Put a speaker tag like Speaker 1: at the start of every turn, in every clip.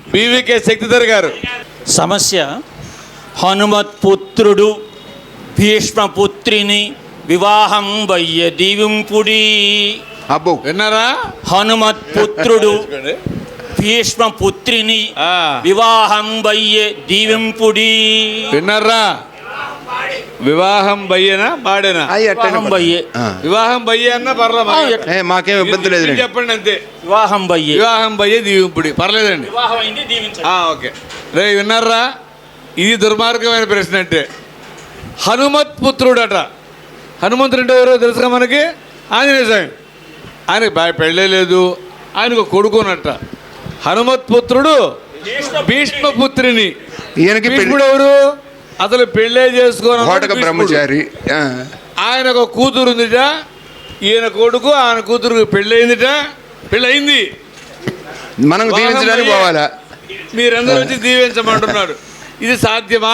Speaker 1: BVK Shaktidhar గారు.
Speaker 2: సమస్య: హనుమత్పుత్రుడు భీష్మపుత్రిని వివాహం వయ్య దీవింపుడి.
Speaker 3: అబ్బో
Speaker 1: విన్నారా?
Speaker 2: హనుమత్పుత్రుడు భీష్మపుత్రిని వివాహం వయ్య దీవింపుడి.
Speaker 1: విన్నారా? వివాహం బయ్యేనా పాడేనా?
Speaker 2: వివాహం వయ్యే.
Speaker 1: వివాహం బయ్యే అన్నా పర్లేదు,
Speaker 3: మాకేం ఇబ్బంది లేదు.
Speaker 1: చెప్పండి అంతే.
Speaker 2: వివాహం బయ్యే.
Speaker 1: వివాహం బయ్యే దీవింపుడి పర్లేదండి.
Speaker 2: వివాహం అయింది దీవించండి.
Speaker 1: ఓకే రే, విన్నారా? ఇది దుర్మార్గమైన ప్రశ్న. అంటే హనుమత్పుత్రుడట. హనుమంతుడు అంటే ఎవరో తెలుసుగా మనకి? ఆంజనేయ స్వామి. ఆయనకి పెళ్ళే లేదు, ఆయనకు కొడుకునట. హనుమత్పుత్రుడు భీష్మపుత్రిని.
Speaker 3: ఈయనకి
Speaker 1: భీష్ముడు ఎవరు? అసలు పెళ్ళే చేసుకోవాలి
Speaker 3: బ్రహ్మచారి.
Speaker 1: ఆయన ఒక కూతురు ఉందిట, ఈయన కొడుకు ఆయన కూతురు పెళ్ళయిందిట. పెళ్ళయింది,
Speaker 3: మనం దీవించడానికి పోవాలా?
Speaker 1: మీరందరూ వచ్చి దీవించమంటున్నారు. ఇది సాధ్యమా?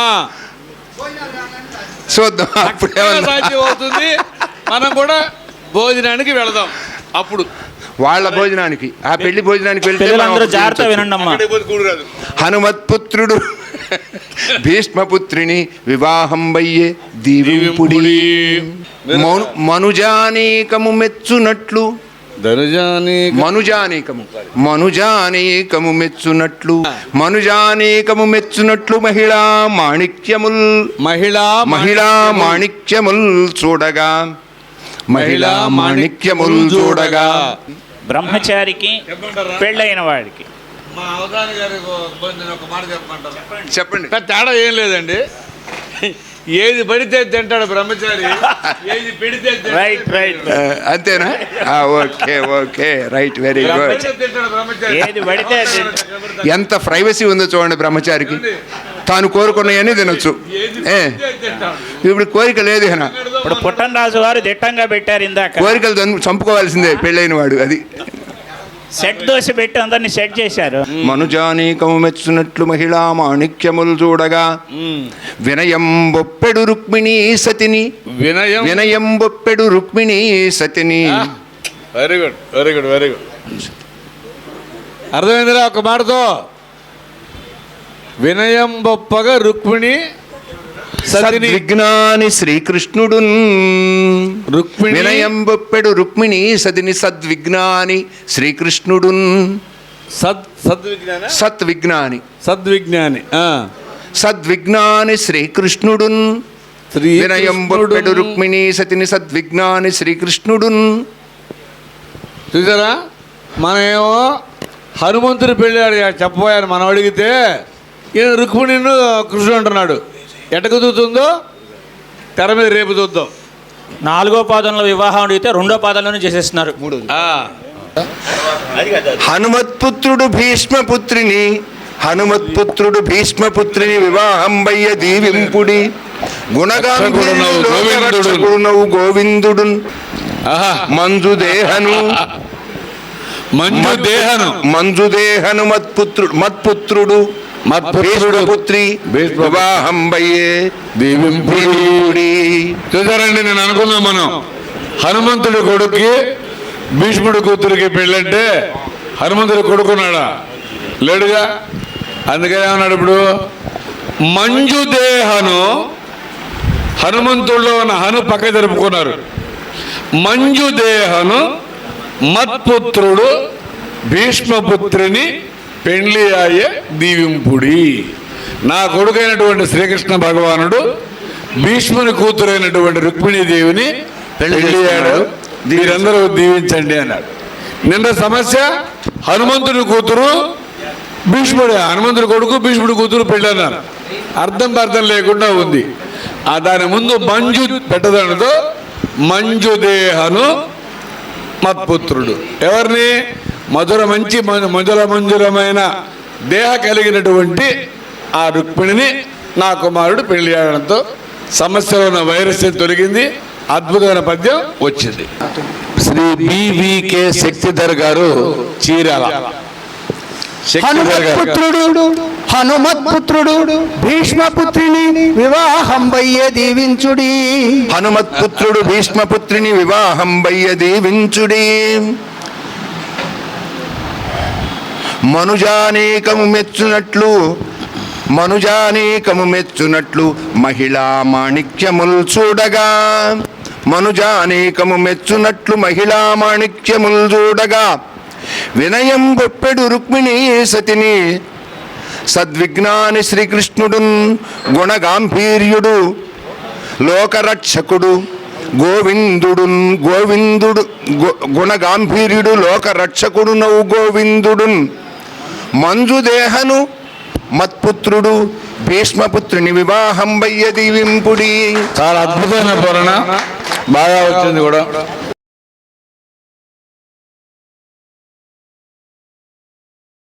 Speaker 3: చూద్దాం,
Speaker 1: సాధ్యం అవుతుంది. మనం కూడా భోజనానికి వెళదాం. అప్పుడు
Speaker 3: వాళ్ళ భోజనానికి, ఆ పెళ్లి భోజనానికి వెళ్తే
Speaker 2: జాగ్రత్త వినండి అమ్మా.
Speaker 3: హనుమత్పుత్రుడు భీష్మపుత్రిని వివాహం వయ్యే దీవింపుడి. మనుజానేకము మెచ్చునట్లు మనుజానేకము మెచ్చునట్లు మహిళా మాణిక్యముల్ చూడగా
Speaker 2: బ్రహ్మచారికి పెళ్ళైన వాడికి
Speaker 1: మా అవధాని గారి ఒక మాట
Speaker 3: చెప్పండి.
Speaker 1: తేడా ఏం లేదండి. ఏది పడితే తింటాడు బ్రహ్మచారి, ఏది పెడితే
Speaker 2: రైట్ రైట్
Speaker 3: అంతేనా? Okay okay right, very good.
Speaker 2: ఏది పడితే
Speaker 3: ఎంత ప్రైవసీ ఉందో చూడండి బ్రహ్మచారికి. తాను కోరుకున్నాయని తినొచ్చు. ఇప్పుడు కోరిక లేదు.
Speaker 2: ఇప్పుడు పుట్టనరాజు వారు దిట్టంగా పెట్టారు ఇందాక,
Speaker 3: కోరికలు చంపుకోవాల్సిందే పెళ్ళైన వాడు. అది
Speaker 2: సెట్ దోశ పెట్టి అందరిని సెట్ చేశారు.
Speaker 3: మనుజానీకము మెచ్చునట్లు మహిళా మాణిక్యములు చూడగా వినయం బొప్పెడు రుక్మిణీ సతిని. వినయం బొప్పెడు రుక్మిణీ సతిని.
Speaker 1: Very good very good very good. అర్థమైందిరా ఒక మాటతో? వినయం బొప్పగా రుక్మిణి
Speaker 3: సద్విజ్ఞాని శ్రీకృష్ణుడు. వినయం బొప్పెడు రుక్మిణి సదిని సద్విజ్ఞాని శ్రీకృష్ణుడు. సద్విజ్ఞాని శ్రీకృష్ణుడు. వినయం బొప్పెడు రుక్మిణి సతిని సద్విజ్ఞాని శ్రీకృష్ణుడు.
Speaker 1: చూసారా? మనమేమో హనుమంతుడు పెళ్ళాడు చెప్పబోయాను. మనం అడిగితే ఈయన రుక్మిణిను కృష్ణుడు అంటున్నాడు. ఎట కుదురుతుందో తెర మీద రేపు చూద్దాం.
Speaker 2: 4వ పాదంలో వివాహం అడిగితే 2వ పాదంలోనే చేసేస్తున్నారు.
Speaker 3: హనుమత్పుత్రుడు భీష్మపుత్రిని వివాహం వయ్య దీవింపుడి. గుణగాంధీనవు గోవిందుడు మంజుదేహను మత్పుత్రుడు భీష్మపుత్రి వివాహం వయ్యే దీవింపుడి.
Speaker 1: చూసారండి, నేను అనుకున్నాం మనం హనుమంతుడి కొడుక్కి భీష్ముడి కూతురికి పెళ్ళంటే హనుమంతుడి కొడుకున్నాడా? లేడుగా. అందుకని ఏమన్నాడు ఇప్పుడు? మంజుదేహను, హనుమంతుడిలో ఉన్న హను పక్క జరుపుకున్నారు. మంజుదేహను మత్పుత్రుడు భీష్మపుత్రిని పెండ్లి అయ్యే దీవింపుడి. నా కొడుకైనటువంటి శ్రీకృష్ణ భగవానుడు భీష్ముని కూతురైనటువంటి రుక్మిణీదేవిని పెళ్ళియాడు, మీరందరూ దీవించండి అన్నాడు. నిన్న సమస్య హనుమంతుడి కూతురు భీష్ముడు, హనుమంతుడి కొడుకు భీష్ముడి కూతురు పెళ్ళి అన్నారు. అర్థం లేకుండా ఉంది. దాని ముందు మంజు పెట్టదనతో మంజుదేహను మత్పుత్రుడు. ఎవరిని? మంజురమైన దేహ కలిగినటువంటి ఆ రుక్మిణిని నా కుమారుడు పెళ్లి చేయడంతో సమస్యలో ఉన్న వైరస్ తొలగింది. అద్భుతమైన పద్యం వచ్చింది. శ్రీ బీవీకే శక్తిధర్ గారు, చీరాల.
Speaker 4: హనుమత్పుత్రుడు భీష్మపుత్రిని వివాహం వయ్య దీవించుడి.
Speaker 3: హనుమత్పుత్రుడు భీష్మపుత్రిని వివాహం వయ్య దీవించుడి. మనుజానేకము మెచ్చునట్లు మహిళా మాణిక్యముల్ చూడగా, మనుజానేకము మెచ్చునట్లు మహిళా మాణిక్యముల్ చూడగా, వినయం గొప్పెడు రుక్మిణీ సతిని సద్విజ్ఞాని శ్రీకృష్ణుడున్ గుణగాంభీర్యుడు లోకరక్షకుడు గోవిందుడు గుణగాంభీర్యుడు లోకరక్షకుడు నవ్వు గోవిందుడున్ మంజుదేహను మత్పుత్రుడు భీష్మపుత్రుని వివాహం వయ్య దీవింపుడి.
Speaker 1: చాలా అద్భుతమైన పూరణ, బాగా వచ్చింది కూడా.